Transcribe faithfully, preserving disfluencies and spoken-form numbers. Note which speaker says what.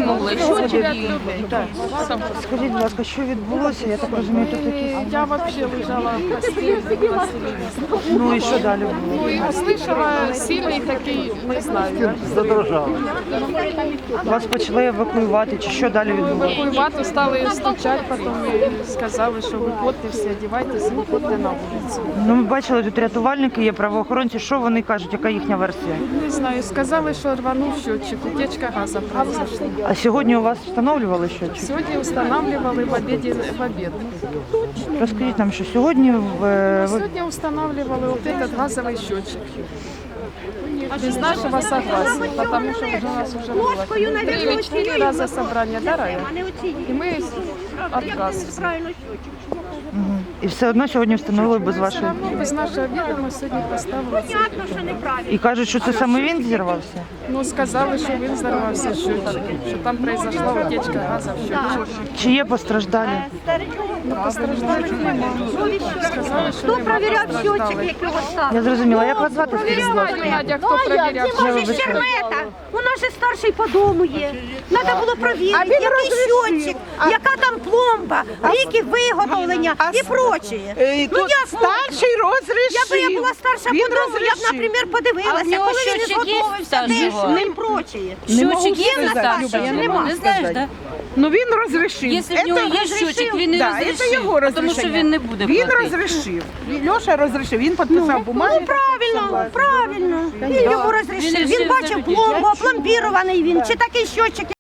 Speaker 1: витягнули. Счетчик і...
Speaker 2: Скажіть, будь ласка, що відбулося? Я так розумію, тут якісь...
Speaker 3: Я вообще лежала в постели.
Speaker 2: Ну і що далі було?
Speaker 3: Ну и услышала сильный такий, не знаю.
Speaker 2: Вас почали евакуювати, чи що далі відбулося?
Speaker 3: Евакуювати стали стучати, потім і сказали, що виходьте всі, одягайтеся, виходьте на вулицю.
Speaker 2: Ну, ми бачили, тут рятувальники є, правоохоронці. Що вони кажуть, яка їхня версія?
Speaker 3: Не знаю, сказали, що рванув счетчик, утечка газу произошла.
Speaker 2: А сьогодні у вас встановлювали щось?
Speaker 3: Сьогодні встановлювали в обіді, в обід.
Speaker 2: Розкажіть нам, що сьогодні в... ви-
Speaker 3: Сьогодні встановлювали вот этот газовий счетчик. Без нашего согласия, потому что уже у нас уже было три или четыре раза собрание, да, Рая? И мы отказ.
Speaker 2: Мгм. І все одно сьогодні встановили без вашої...
Speaker 3: Ну, без нашого відома сьогодні поставили.
Speaker 2: І кажуть, що це саме він зірвався?
Speaker 3: Ну, сказали, що він взорвався счетчик, що там произошла утечка газу в счетчик.
Speaker 2: Чи є постраждалі?
Speaker 3: Ну, постраждалих немає. Сказали, що
Speaker 4: Хто
Speaker 3: немає
Speaker 4: перевіряв счетчик,
Speaker 3: постраждалих.
Speaker 4: як його ставили?
Speaker 2: Я зрозуміла. Як вас звати?
Speaker 3: Не знаю, Надя, хто перевіряв.
Speaker 4: Може, Щермета? У нас же старший по дому є. Треба було провірити, який счетчик, яка там пломба, ріки виготовлення і прочее. Ну як
Speaker 5: старший розрішив.
Speaker 4: Я б я була старша по дому, я б, наприклад, подивилася, коли він не зготовився теж і прочее.
Speaker 1: Счетчик
Speaker 4: Є в нас
Speaker 1: старший?
Speaker 4: старший? Нема.
Speaker 1: Не знаєш, так?
Speaker 5: Ну він розрішив.
Speaker 1: Якщо в нього є счетчик, він не
Speaker 5: да, це
Speaker 1: розрішив,
Speaker 5: його
Speaker 1: тому що
Speaker 5: розрішення.
Speaker 1: він не буде
Speaker 5: Він
Speaker 1: платити.
Speaker 5: розрішив. Льоша розрішив, він підписав бумагу.
Speaker 4: Ну правильно, правильно. Він йому розрішив. Він бачив пломбу, опломбірований він, чи такий счетчик.